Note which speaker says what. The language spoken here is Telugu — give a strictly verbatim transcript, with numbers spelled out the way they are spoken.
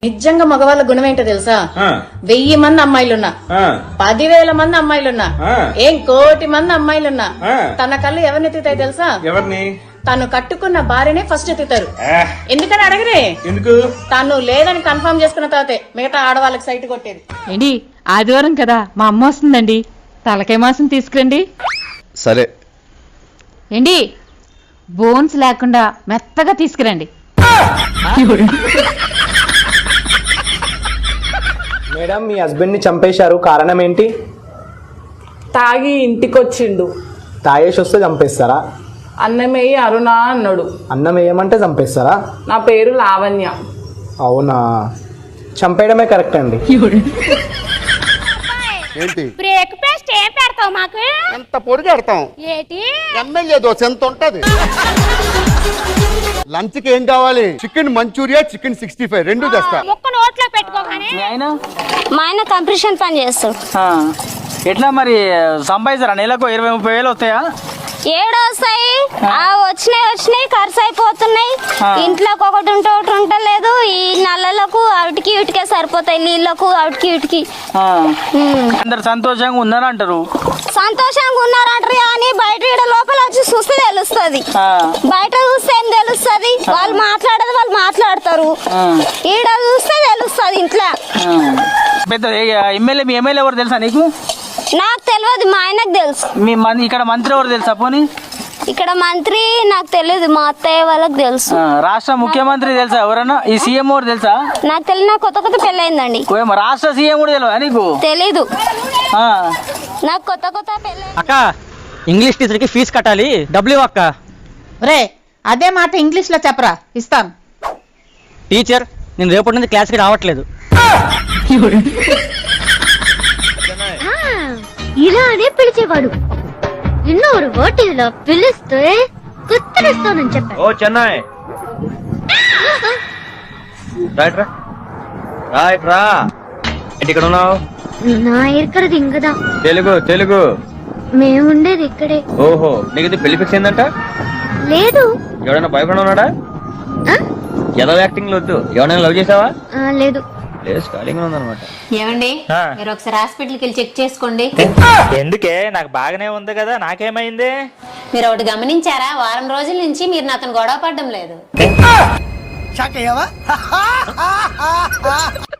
Speaker 1: నిజంగా మగవాళ్ళ గుణం ఏంటో తెలుసా? వెయ్యి మంది అమ్మాయిలున్నా, పదివేల మంది అమ్మాయిలున్నా, ఏం కోటి మంది అమ్మాయిలున్నా తన కళ్ళు ఎవరిని ఎత్తుతాయి తెలుసా?
Speaker 2: ఎవరిని?
Speaker 1: తను కట్టుకున్న భార్యనే ఫస్ట్ ఎత్తుతారు. ఎందుకని అడగరే?
Speaker 2: ఎందుకు?
Speaker 1: తను లేదని కన్ఫర్మ్ చేసుకున్న తర్వాతే మిగతా ఆడవాళ్ళకి సైట్ కొట్టేది.
Speaker 3: ఏంటి ఆదివారం కదా, మా అమ్మ వస్తుందండి, తలకాయ మాసం తీసుకురండి.
Speaker 4: సరే.
Speaker 3: ఏంటి బోన్స్ లేకుండా మెత్తగా తీసుకురండి.
Speaker 5: మేడం, మీ హస్బెండ్ ని చంపేశారు, కారణం ఏంటి?
Speaker 6: తాగి ఇంటికొచ్చిండు.
Speaker 5: తాగేసి వస్తే చంపేస్తారా?
Speaker 6: అన్నమేయి అరుణ అన్నాడు.
Speaker 5: అన్నం వేయమంటే చంపేస్తారా?
Speaker 6: నా పేరు లావణ్య.
Speaker 5: అవునా, చంపేయడమే కరెక్ట్ అండి.
Speaker 7: ఏంటి
Speaker 8: బ్రేక్ఫాస్ట్ ఏం పెడతావు మాకు?
Speaker 7: ఎంత పొడిగెడతాం?
Speaker 8: ఏంటి
Speaker 7: ఎమ్మెల్యే దోశ ఎంత ఉంటది? లంచ్ కి ఏం కావాలి? Chicken Manchuria, chicken sixty five రెండు తెస్తా.
Speaker 8: ముక్క నోట్లో పెట్టుకోగానే. మా ఆయన కంప్రెషన్ పని చేస్తాడు.
Speaker 9: ఎట్లా మరి సంపాదిస్తారా? నెలకు ఇరవై ముప్పై వేలు వస్తాయా?
Speaker 8: ఏడు వస్తాయి. ఆ వచ్చినాయి వచ్చినాయి ఖర్చు అయిపోతున్నాయి. ఇంట్లోకి ఒకటి ఉంటే ఒకటి ఉంటలేదు. ఈ నల్లలకు అవిటికి ఇటుకే సరిపోతాయి, నీళ్ళకు అవిటికి ఇటుకి.
Speaker 9: అందరు సంతోషంగా ఉన్నారంటారు.
Speaker 8: సంతోషంగా ఉన్నారంటారు కానీ బయట ఈడ లోపల వచ్చి చూస్తే తెలుస్తుంది. బయట చూస్తే ఏం తెలుస్తుంది? వాళ్ళు మాట్లాడేది వాళ్ళు మాట్లాడతారు, ఈడ చూస్తే తెలుస్తుంది ఇంట్లో.
Speaker 9: పెద్ద ఎమ్మెల్యే మీ ఎమ్మెల్యే ఎవరు తెలుసా నీకు?
Speaker 8: నాకు తెలియదు, మా ఆయనకు తెలుసు.
Speaker 9: మీ ఇక్కడ మంత్రి ఎవరు తెలుసా? పోనీ
Speaker 8: ఇక్కడ మంత్రి నాకు తెలియదు, మా అత్తయ్య వాళ్ళకి తెలుసు.
Speaker 9: రాష్ట్ర ముఖ్యమంత్రి తెలుసా ఎవరన్నా? ఈ సీఎం ఎవరు తెలుసా?
Speaker 8: నాకు తెలియదు, నాకు కొత్త కొత్త పెళ్ళయిందండి.
Speaker 9: రాష్ట్ర సీఎం కూడా తెలియదా నీకు?
Speaker 8: తెలీదు, నాకు కొత్త కొత్త పెళ్ళి.
Speaker 10: అక్క, ఇంగ్లీష్ టీచర్ కి ఫీజు కట్టాలి, డబ్బులు అక్క.
Speaker 3: రే అదే మాట ఇంగ్లీష్ లో చెప్పరా, ఇస్తాను.
Speaker 10: టీచర్, నేను రేపటి నుంచి క్లాస్కి రావట్లేదు.
Speaker 8: ఇలానే పిలిచేవాడు. ఇన్నోరు ఓటీలో పిలిస్తే కుత్తరిస్తానని చెప్పాడు.
Speaker 2: ఓ చెన్నై, రైట్ రా రైట్ రా. ఇక్కడ ఉన్నావు?
Speaker 8: నా ఇక్కడది ఇంకదా.
Speaker 2: తెలుగు తెలుగు
Speaker 8: మేముండేది ఇక్కడే.
Speaker 2: ఓహో, నీకు ఇది పెళ్లి ఫిక్స్ అయిందంట?
Speaker 8: లేదు.
Speaker 2: ఎవడైనా బాయ్ ఫ్రెండ్ ఉన్నాడా? ఏదో యాక్టింగ్ వద్దు. ఎవరైనా లవ్ చేసావా?
Speaker 8: లేదు.
Speaker 11: ఏమండి, మీరు ఒకసారి హాస్పిటల్కి వెళ్ళి చెక్ చేసుకోండి.
Speaker 10: ఎందుకే? నాకు బాగానే ఉంది కదా, నాకేమైంది?
Speaker 11: మీరు ఒకటి గమనించారా? వారం రోజుల నుంచి మీరు నాతో గొడవ పడడం లేదు.